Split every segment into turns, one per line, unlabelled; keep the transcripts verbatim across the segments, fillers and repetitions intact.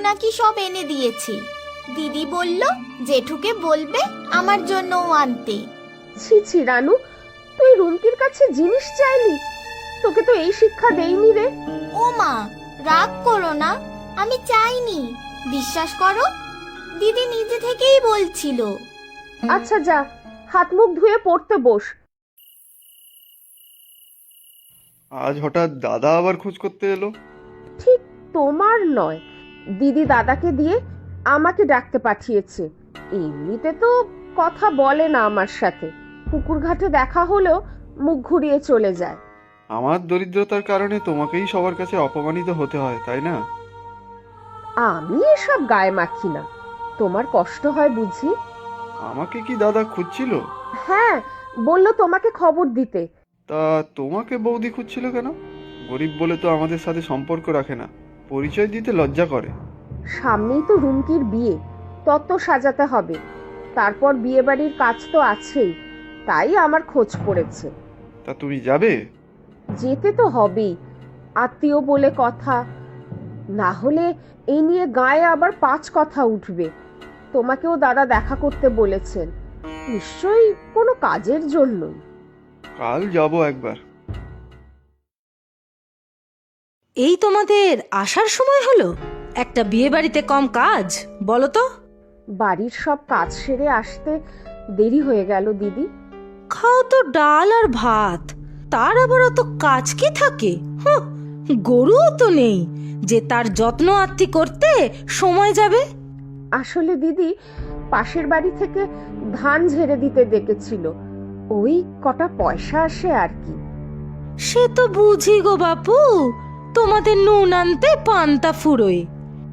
নাকি সব এনে দিয়েছে। দিদি বলল জেঠুকে বলবে আমার জন্যও আনতে।
ছি ছি রানু, তুই রুমকির কাছে জিনিস চাইলি? তোকে তো এই শিক্ষা দেইনি রে।
ও মা, রাগ করো না, আমি চাইনি, বিশ্বাস করো, দিদি নিজে থেকেই বলছিল।
আচ্ছা যা, হাত মুখ ধুয়ে পড়তে বস।
আজ হঠাৎ দাদা আবার খোঁজ করতে এলো?
ঠিক তোমার নয়, দিদি দাদাকে দিয়ে আমাকে ডাকতে পাঠিয়েছে। এমনিতে তো কথা বলে না আমার সাথে, পুকুর ঘাটে দেখা হলেও মুখ ঘুরিয়ে চলে যায়।
আমার দরিদ্রতার কারণে তোমাকেই সবার কাছে অপমানিত হতে হয়, তাই না?
আমি এসব গায়ে মাখি না, তোমার কষ্ট হয় বুঝি।
আমাকে কি দাদা খুঁজছিল?
হ্যাঁ, বলল তোমাকে খবর দিতে।
তা তোমাকে বৌদি খুঁজছিল কেন? গরিব বলে তো আমাদের সাথে সম্পর্ক রাখে না, পরিচয় দিতে লজ্জা করে।
সামনেই তো রুমকির বিয়ে, তত্ত্ব সাজাতে হবে, তারপর বিয়ে বাড়ির কাজ তো আছেই, তাই আমার খোঁজ পড়েছে।
তা তুমি যাবে?
যেতে তো হবেই, আত্মীয় বলে কথা, না হলে এই নিয়ে গায়ে আবার পাঁচ কথা উঠবে। তোমাকেও দাদা দেখা করতে বলেছেন, নিশ্চয়ই কোনো কাজের জন্যই।
কাল যাব একবার।
এই তোমাদের আসার সময় হলো? একটা বিয়ে বাড়িতে কম কাজ বলো তো?
বাড়ির সব কাজ সেরে আসতে দেরি হয়ে গেল দিদি।
খাও তো ডাল আর ভাত, তার আবার অত কাজ কি থাকে? হুঁ, গরুও তো নেই যে তার যত্ন আত্তি করতে সময় যাবে।
আসলে দিদি পাশের বাড়ি থেকে ধান ঝেড়ে দিতে ডেকেছিল, ওই কটা পয়সা আসে আর কি।
সে তো বুঝি গো বাপু, তোমাদের নুন আনতে পান্তা ফুরোয়।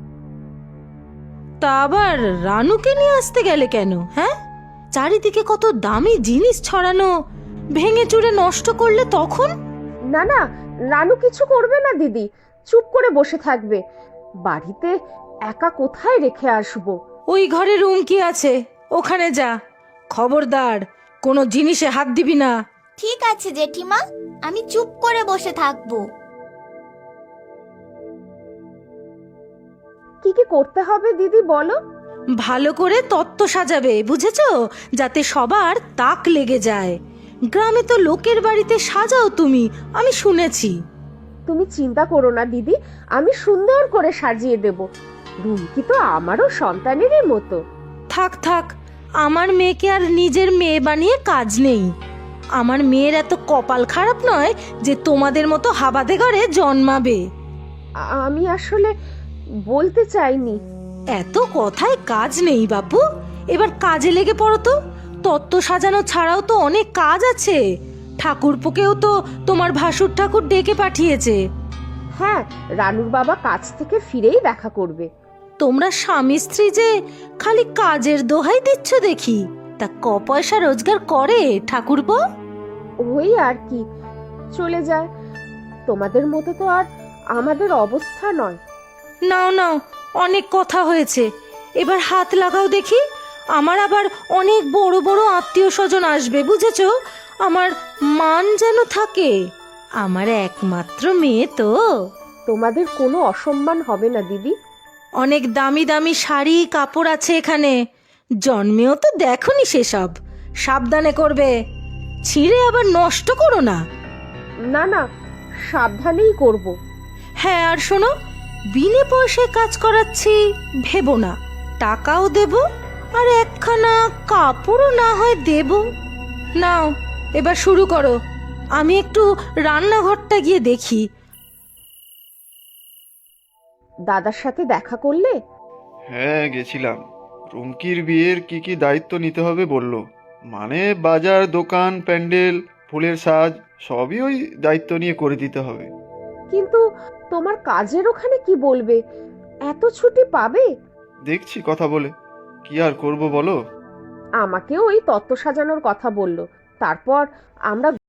তা আবার রানুকে নিয়ে আসতে গেলে কেন? হ্যাঁ, চারিদিকে কত দামি জিনিস ছড়ানো, ভেঙে চুরে নষ্ট করলে তখন?
না না, রানু কিছু করবে না দিদি, চুপ করে বসে থাকবে। বাড়িতে একা কোথায় রেখে আসবো?
ওই ঘরে রুম কি আছে, ওখানে যা। খবরদার, কোনো জিনিসে হাত দিবি না।
ঠিক আছে জেঠিমা, আমি চুপ করে বসে থাকবো।
কি কি করতে হবে দিদি বলো?
ভালো করে তত্ত্ব সাজাবে, বুঝেছো? যাতে সবার তাক লেগে যায়। গ্রামে তো লোকের বাড়িতে সাজাও তুমি, আমি শুনেছি।
তুমি চিন্তা করো না দিদি, আমি সুন্দর করে সাজিয়ে দেব। রুমকি তো আমারও সন্তানেরই মতো।
থাক থাক, আমার মেয়েকে আর নিজের মেয়ে বানিয়ে কাজ নেই। আমার মেয়ের এত কপাল খারাপ নয় যে তোমাদের মতো হাবাদে ঘরে জন্মাবে।
আ- আমি আসলে বলতে চাইনি।
এত কথায় কাজ নেই বাপু, এবার কাজে লেগে পড়ো তো। তত্ত্ব সাজানো ছাড়াও তো অনেক কাজ আছে। ঠাকুরপোকেও তো তোমার ভাসুর ঠাকুর ডেকে পাঠিয়েছে।
হ্যাঁ, রানুর বাবা কাজ থেকে ফিরেই দেখা করবে।
তোমরা স্বামী স্ত্রী যে খালি কাজের দোহাই দিচ্ছ দেখি, তা ক পয়সা রোজগার করে ঠাকুরপো?
ওই আর কি, চলে যায়। তোমাদের মতো তো আর আমাদের অবস্থা নয়।
নাও নাও, অনেক কথা হয়েছে, এবার হাত লাগাও দেখি। আমার আবার অনেক বড় বড় আত্মীয় স্বজন আসবে, বুঝেছ? আমার মান যেন থাকে, আমার একমাত্র মেয়ে তো।
তোমাদের কোনো অসম্মান হবে না দিদি।
অনেক দামি দামি শাড়ি কাপড় আছে এখানে, জন্মেও তো দেখনি সেসব। সাবধানে করবে, ছিঁড়ে আবার নষ্ট করো না।
না না, সাবধানেই করব।
হ্যাঁ, আর শোনো, বিনে পয়সায় কাজ করাচ্ছি ভেবো না, টাকাও দেব, আর একখানা কাপড়ও না হয় দেব। নাও, এবার শুরু করো, আমি একটু রান্নাঘরটা গিয়ে দেখি।
দাদার সাথে দেখা করলে?
হ্যাঁ, গেছিলাম। রুমকির বিয়ের কি কি দায়িত্ব নিতে হবে বললো। মানে বাজার, দোকান, প্যান্ডেল, ফুলের সাজ সবই ওই দায়িত্ব নিয়ে করে দিতে হবে।
কিন্তু তোমার কাজের ওখানে কি বলবে? এত ছুটি পাবে?
দেখছি কথা বলে, কি আর করব বলো।
আমাকেও ওই তত্ত্ব সাজানোর কথা বলল, তারপর আমরা